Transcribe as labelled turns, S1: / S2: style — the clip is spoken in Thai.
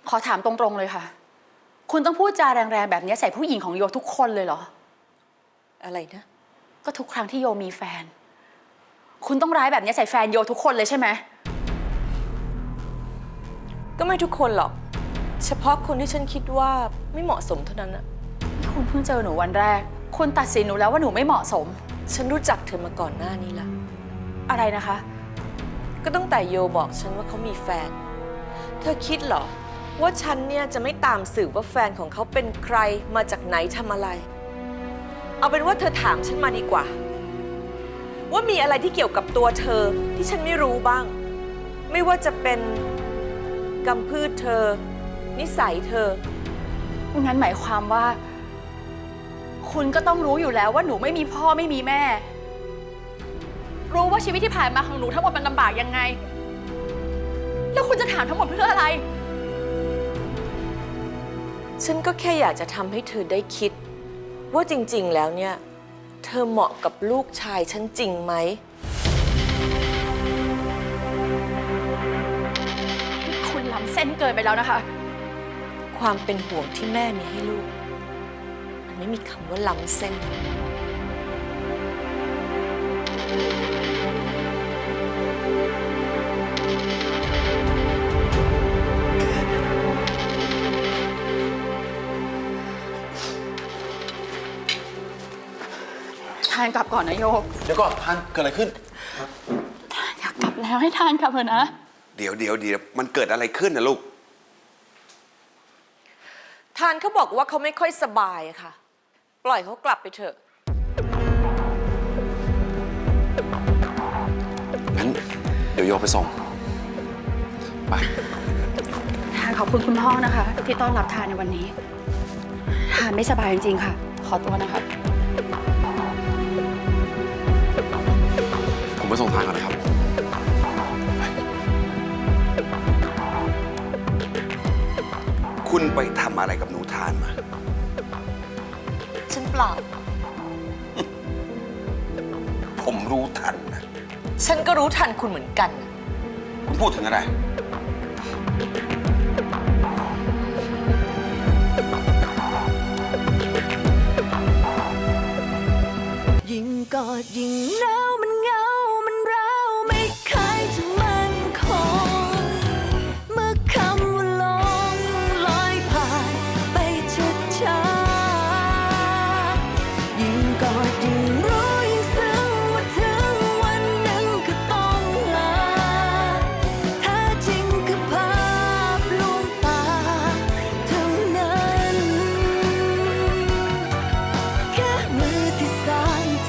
S1: ขอถามตรงๆเลยค่ะ คุณต้องพูดจาแรงๆแบบนี้ใส่ผู้หญิงของโยทุกคนเลยเหรอ
S2: อะไรนะ
S1: ก็ทุกครั้งที่โยมีแฟน คุณต้องร้ายแบบนี้ใส่แฟนโยทุกคนเลยใช่ไหม
S2: ก็ไม่ทุกคนหรอก เฉพาะคนที่ฉันคิดว่าไม่เหมาะสมเท่านั้นอะ
S1: คุณเพิ่งเจอหนูวันแรก คุณตัดสินหนูแล้วว่าหนูไม่เหมาะสม
S2: ฉันรู้จักเธอมาก่อนหน้านี้ละ
S1: อะไรนะคะ
S2: ก็ตั้งแต่โยบอกฉันว่าเขามีแฟน เธอคิดเหรอว่าฉันเนี่ยจะไม่ตามสืบว่าแฟนของเขาเป็นใครมาจากไหนทำอะไร เอาเป็นว่าเธอถามฉันมาดีกว่า ว่ามีอะไรที่เกี่ยวกับตัวเธอที่ฉันไม่รู้บ้าง ไม่ว่าจะเป็นกำพืชเธอ นิสัยเธอ
S1: งั้นหมายความว่า คุณก็ต้องรู้อยู่แล้วว่าหนูไม่มีพ่อไม่มีแม่ รู้ว่าชีวิตที่ผ่านมาของหนูทั้งหมดมันลำบากยังไง แล้วคุณจะถามทั้งหมดเพื่ออะไร
S2: ฉันก็แค่อยากจะทำให้เธอได้คิด ว่าจริงๆแล้วเนี่ย เธอเหมาะกับลูกชายฉันจริงไหม
S1: คุณล้ำเส้นเกินไปแล้วนะคะ
S2: ความเป็นห่วงที่แม่มีให้ลูก มันไม่มีคำว่าล้ำเส้น
S1: ทานกลับก่อนนะโยก
S3: เดี๋ยวก่อนท่านเกิดอะไรขึ้น
S1: ทานอยากกลับแล้วให้ทานกลับเถอะนะ
S3: เดี๋ยวมันเกิดอะไรขึ้นนะลูก
S2: ทานเขาบอกว่าเขาไม่ค่อยสบายอะค่ะ ปล่อยเขากลับไปเถอะ
S4: งั้นเดี๋ยวโยไปส่ง ไป
S1: ทานขอบคุณคุณพ่อนะคะ ที่ต้อนรับทานในวันนี้ ทานไม่สบายจริงๆค่ะ ขอตัวนะคะ
S4: ผมไปส่งทางก่อนนะครับ
S3: คุณไปทำอะไรกับหนูทานมา
S2: ฉันเปล่า
S3: ผมรู้ทันนะ
S2: ฉันก็รู้ทันคุณเหมือนกัน
S3: คุณพูดถึงอะไร